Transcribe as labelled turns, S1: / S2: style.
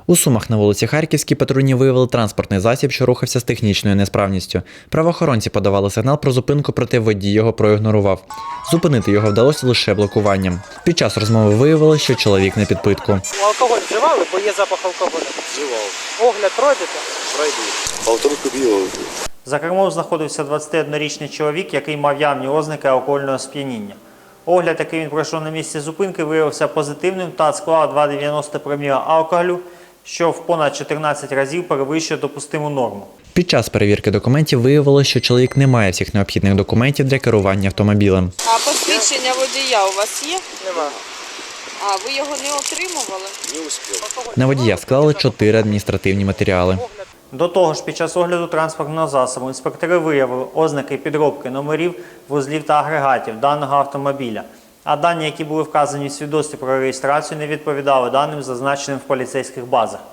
S1: У Сумах на вулиці Харківській патрульні виявили транспортний засіб, що рухався з технічною несправністю. Правоохоронці подавали сигнал про зупинку, проте водій його проігнорував. Зупинити його вдалося лише блокуванням. Під час розмови виявилося, що чоловік на підпитку.
S2: Алкоголь вживали, бо є запах алкоголю?
S3: Вживав.
S2: Огляд пройдете?
S3: Пройду. Полторку білого.
S2: За кермом знаходився 21-річний чоловік, який мав явні ознаки алкогольного сп'яніння. Огляд, який він пройшов на місці зупинки, виявився позитивним та склав 2,90 проміла алкоголю, що в понад 14 разів перевищує допустиму норму.
S1: Під час перевірки документів виявилося, що чоловік не має всіх необхідних документів для керування автомобілем.
S4: А посвідчення водія у вас є?
S2: Нема.
S4: А ви його не отримували?
S3: Не успів.
S1: На водія склали 4 адміністративні матеріали.
S2: До того ж, під час огляду транспортного засобу інспектори виявили ознаки підробки номерів, вузлів та агрегатів даного автомобіля. А дані, які були вказані в свідоцтві про реєстрацію, не відповідали даним, зазначеним в поліцейських базах.